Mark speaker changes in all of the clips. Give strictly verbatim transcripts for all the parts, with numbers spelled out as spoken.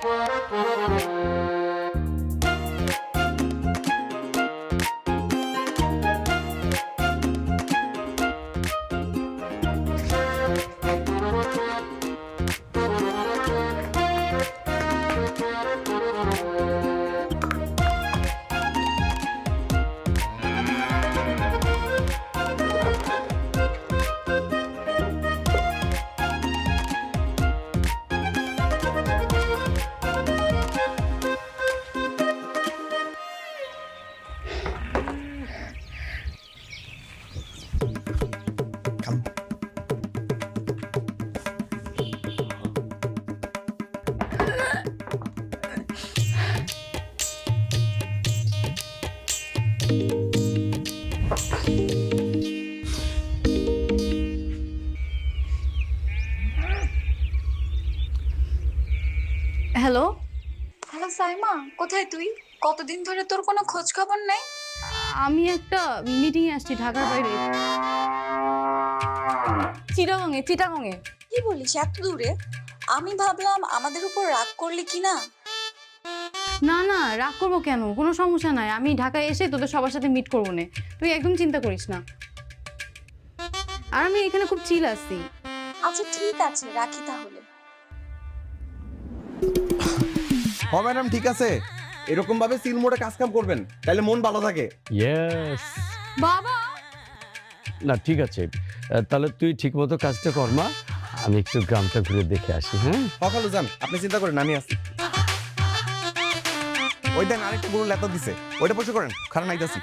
Speaker 1: Hello
Speaker 2: hello Saima, কোথায় তুই? কতদিন ধরে তোর কোনো খোঁজ খবর নেই।
Speaker 1: আমি একটা মিটিং এ আসছি ঢাকার বাইরে, চিটাগংয়ে চিটাগংয়ে
Speaker 2: কি বলিস এত দূরে? আমি ভাবলাম আমাদের উপর রাগ করলি কি না।
Speaker 1: না না রাগ করবো কেন, কোনো সমস্যা নাই, আমি ঢাকায় এসে তোদের সবার সাথে মিট করবো না, তুই একদম চিন্তা করিস না। আর আমি এখানে খুব চিল আছি।
Speaker 2: আচ্ছা ঠিক আছে, রাখি তাহলে।
Speaker 3: হ ম্যাডাম ঠিক আছে, এরকম ভাবে সিল মোডে কাজ কাম করবেন, তাহলে মন ভালো থাকে।
Speaker 4: ইয়েস।
Speaker 1: বাবা
Speaker 4: না ঠিক আছে, তাহলে তুই ঠিক মতো কাজটা কর মা, আমি একটু গ্রামটা ঘুরে দেখে আসি। হ্যাঁ
Speaker 3: সকালে যান, আপনি চিন্তা করেন আমি আছি। ওই দেন আরেকটা গরু লেতা দিছে, ওইটা পরিষ্কার করেন, খারাপ নাইতাছি।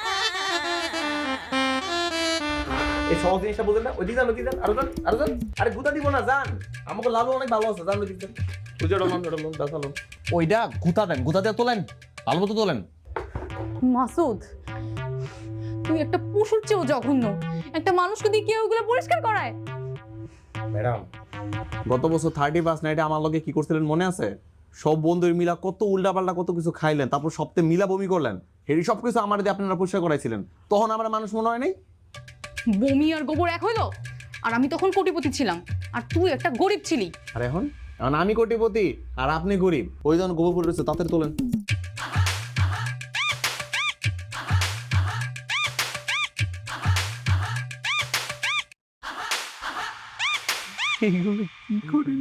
Speaker 3: এই সহজ জিনিসটা বুঝেন না, ওইদিকে যান, ওইদিকে যান, আরো যান, আরো যান। আরে গুতা দিব না, যান, আমাকে লাভ অনেক ভালো আছে, যান ওইদিকে যান। বুঝে রলন রলন দাসালন ওইটা গুতা দেন, গুতা দিয়ে তোলেন, ভালো মতো তোলেন।
Speaker 1: মাসুদ, তুই একটা পশুর চেয়েও জঘন্য, একটা মানুষকে দিয়ে কেউ ওগুলো পরিষ্কার করায়?
Speaker 3: ম্যাডাম গত বছর থার্টি ফার্স্ট নাইটে আমার লগে কি করছিলেন মনে আছে? সব বন্ধুর মিলা কত উল্টাপাল্টা কত কিছু খাইলেন, তারপর সপ্তাহে মিলা বমি করলেন, এই সব কিছু আমার দিয়ে আপনারা পরিষ্কার করাইছিলেন, তখন আমার মানুষ মনে হয় নাই?
Speaker 1: বমি আর গোবর এক হইলো? আর আমি তখন কোটিপতি ছিলাম, আর তুই একটা গরিব ছিলি।
Speaker 3: আর এখন এখন আমি কোটিপতি আর আপনি গরিব, ওই যখন গোবর পড়ে রয়েছে তাড়াতাড়ি তোলেন।
Speaker 4: এইগুলো কি করে?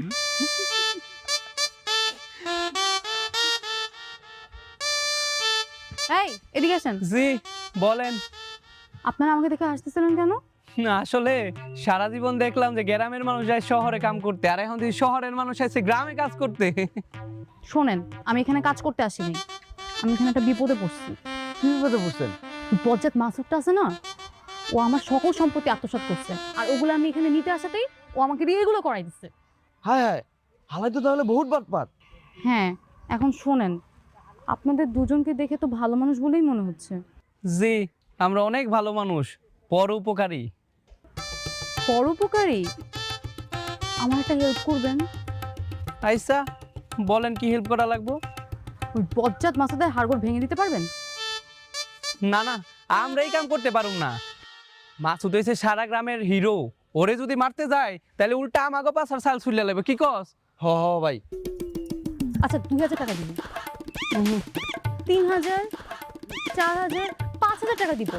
Speaker 1: এই এদিকে আসেন।
Speaker 5: জি বলেন।
Speaker 1: আপনারা আমাকে দেখে হাসতেছিলেন কেন?
Speaker 5: না আসলে সারা জীবন দেখলাম যে গ্রামের মানুষ যায় শহরে কাম করতে, আর এখন যদি শহরের মানুষ আসে গ্রামে কাজ করতে।
Speaker 1: শোনেন, আমি এখানে কাজ করতে আসিনি, আমি এখানে একটা বিপদে পড়ছি।
Speaker 5: কি বিপদে পড়ছেন?
Speaker 1: বজ্জাত মাসুদটা আছে না, ও আমার সকল সম্পত্তি আত্মসাৎ করছে, আর ওগুলো আমি এখানে নিতে আসাতেই ও আমাকে দিয়ে এগুলো করাই দিচ্ছে।
Speaker 5: হায় হায়, হালাই তো তাহলে বহুত বাটপার।
Speaker 1: হ্যাঁ, এখন শোনেন, আপনাদের দুজনকে দেখে তো ভালো মানুষ বলেই মনে হচ্ছে।
Speaker 5: জি আমরা অনেক ভালো মানুষ, পরোপকারী।
Speaker 1: পরোপকারী? আমার একটা হেল্প করবেন?
Speaker 5: আইসা বলেন কি হেল্প করা লাগবো?
Speaker 1: ওই বজ্জাত মাসুদের হাড়গোড় ভেঙে দিতে পারবেন?
Speaker 5: না না, আমরা এই কাম করতে পারুম না। মাসুদ হইছে সারা গ্রামের হিরো, ওরে যদি মারতে যায় তাহলে উল্টা আমাগো পাছার সাল ছুইলা লাগবে। কি কস?
Speaker 4: হ হ ভাই।
Speaker 1: আচ্ছা দুই হাজার টাকা দিব, তিন হাজার, চার হাজার, পাঁচ হাজার টাকা দিব।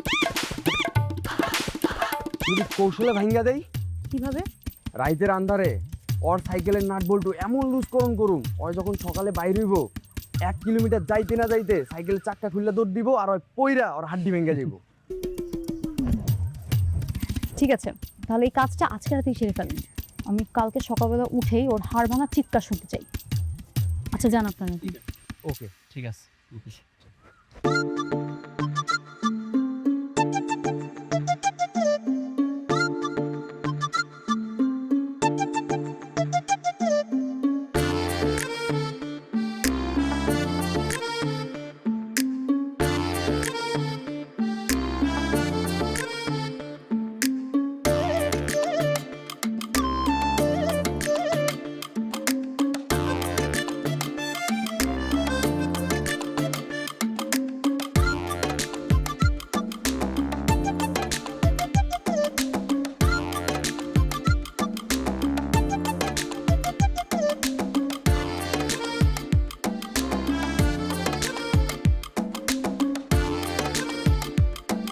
Speaker 6: যদি কৌশলে ভাঙ্গা দেই?
Speaker 1: কিভাবে?
Speaker 6: রাইতের আন্ধারে ওর সাইকেলের নাট বল্টু এমন লুজকরণ করুম, ওই যখন সকালে বাইর হইব এক কিলোমিটার যাইতে না যাইতে সাইকেলের চাক্কা খুললে দৌড় দিব, আর ওই পইরা ওর হাড্ডি ভেঙে যাইব।
Speaker 1: ঠিক আছে, তাহলে এই কাজটা আজকে রাতেই সেরে ফেলেন, আমি কালকে সকালবেলা উঠেই ওর হাড় ভাঙা চিৎকার শুনতে চাই। আচ্ছা যান আপনারা।
Speaker 5: ওকে ঠিক আছে।